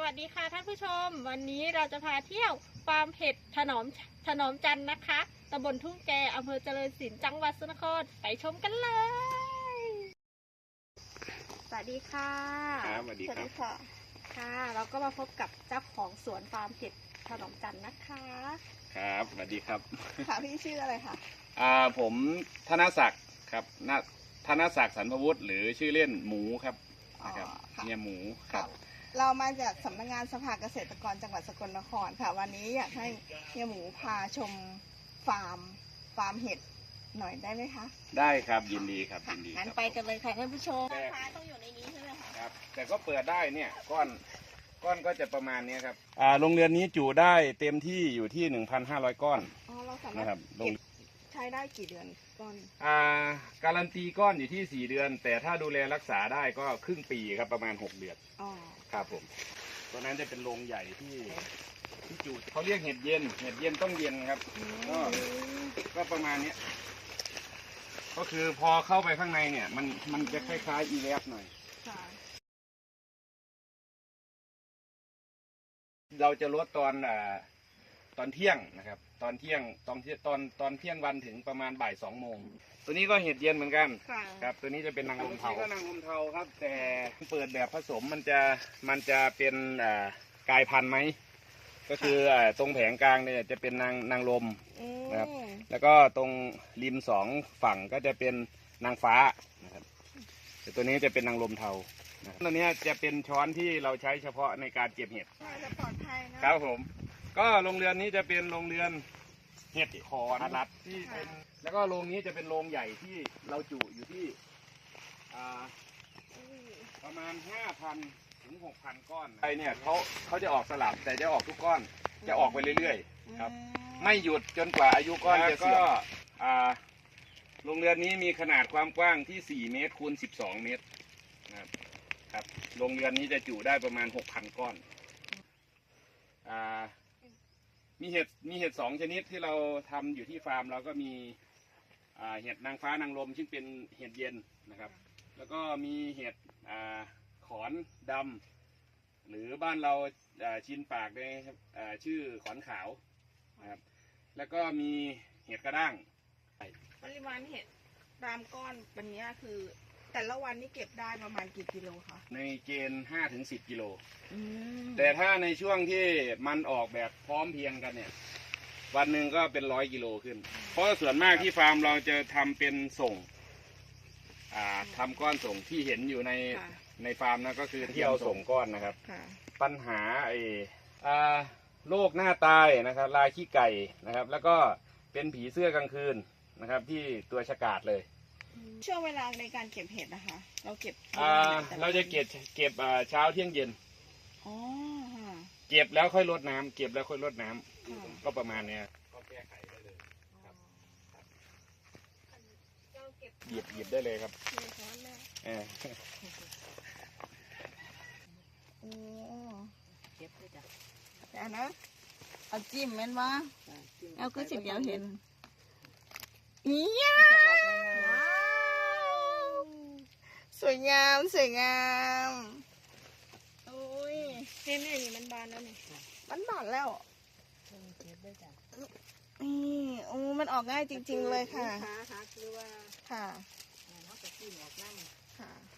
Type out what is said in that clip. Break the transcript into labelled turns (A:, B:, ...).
A: วัสดีค่ะท่านผู้ชมวันนี้เราจะพาเที่ยวฟาร์มเห็ดถนอมจันทร์นะคะตำบลทุ่งแกอำเภอเจริญศิลป์จังหวัดสกลนครไปชมกันเลยสวัสดีค่ะ
B: ครับสวัสดีครับ
A: ค่ะเราก็มาพบกับเจ้าของสวนฟาร์มเห็ดถนอมจันทร์นะคะ
B: ครับสวัสดีครับ
C: ค่ะพี่ชื่ออะไรคะ
B: ผมธนศักดิ์ครับธนศักดิ์สรรพวุฒิหรือชื่อเล่นหมูครับนะครับเนี่ยหมูครับ
C: เรามาจากสำนักงานสภาเกษตรกรจังหวัดสกลนครค่ะวันนี้อยากให้เฮียหมูพาชมฟาร์มเห็ดหน่อยได้ไหมคะ
B: ได้ครับยินดีครับยินดี
A: งั้นไปกันเลยค่ะท่านผู้ชม
C: พาต้องอยู่ในนี้ใช่ไหมคะ
B: ครับแต่ก็เปิดได้เนี่ยก้อนก็จะประมาณนี้ครับโรงเรือนนี้จุได้เต็มที่อยู่ที่ 1,500 ก้อน
C: เราสามารถ
B: นะครับ
C: ใช้ได้กี่เดือนก้อน
B: การันตีก้อนอยู่ที่4 เดือนแต่ถ้าดูแลรักษาได้ก็ครึ่งปีครับประมาณ6 เดือนครับผมตัวนั้นจะเป็นโรงใหญ่ที่จุเขาเรียกเห็ดเย็นต้องเย็นครับก็ประมาณนี้ก็คือพอเข้าไปข้างในเนี่ยมันจะคล้ายๆอีแลฟหน่อยเราจะลดตอนเที่ยงนะครับตอนเที่ยงวันถึงประมาณบ่าย2 โมงตัวนี้ก็เห็ดเย็นเหมือนกันครับตัวนี้จะเป็นนางลมเทาก็นางลมเทาครับแต่เปิดแบบผสมมันจะเป็นกลายพันธุ์ไหมก็คือตรงแผงกลางเนี่ยจะเป็นนางลมนะครับแล้วก็ตรงริม2 ฝั่งก็จะเป็นนางฟ้านะครับแต่ตัวนี้จะเป็นนางลมเทาตัวนี้จะเป็นช้อนที่เราใช้เฉพาะในการเก็บเห็ด
C: จะปลอดภัยนะครับ
B: ผมก็โรงเรือนนี้จะเป็นโรงเรือนเห็ดขอรัดที่เป็นแล้วก็โรงนี้จะเป็นโรงใหญ่ที่เราจุอยู่ที่ประมาณ 5,000 ถึง 6,000 ก้อนไอเนี่ยเขาจะออกสลับแต่จะออกทุกก้อนจะออกไปเรื่อยๆครับไม่หยุดจนกว่าอายุก้อนจะเสื่อมโรงเรือนนี้มีขนาดความกว้างที่4 เมตรคูณ12 เมตรครับโรงเรือนนี้จะจุได้ประมาณ 6,000 ก้อนมีเห็ด2 ชนิดที่เราทำอยู่ที่ฟาร์มเราก็มีเห็ดนางฟ้านางลมซึ่งเป็นเห็ดเย็นนะครับแล้วก็มีเห็ดขอนดำหรือบ้านเราชินปากในชื่อขอนขาวนะครับแล้วก็มีเห็ดกระด้าง
C: ปริมาณเห็ดตามก้อนวันนี้คือแต่ละวันนี้เก็บได้ประมาณกี่กิโลคะ
B: ในเกณฑ์5 ถึง 10 กิโลแต่ถ้าในช่วงที่มันออกแบบพร้อมเพียงกันเนี่ยวันหนึ่งก็เป็น100 กิโลขึ้นเพราะส่วนมากที่ฟาร์มเราจะทำเป็นส่งทำก้อนส่งที่เห็นอยู่ในฟาร์มนะก็คือที่เอาส่งก้อนนะครับปัญหาโรคหน้าตายนะครับลายขี้ไก่นะครับแล้วก็เป็นผีเสื้อกลางคืนนะครับที่ตัวฉกาจเลย
C: ช่วงเวลาในการเก็บเห็ดนะคะเราเก็บ
B: เราจะเก็บเช้าเที่ยงเย็นเก็บแล้วค่อยรดน้ำก็ประมาณเนี้ยก็แก้ไขได้เลยครับหยิบได้เลยครับ
C: เก็บเลยจ้ะแต่นะเอาจิ้มแม่นวะเอาก็สิเดียวเห็นเนี่ยสวยงามโอ้ยนี่มันบานแล้วนี่มันบานแล้วนี่โอ้มันออกง่ายจริงๆเลยค่ะค่ะ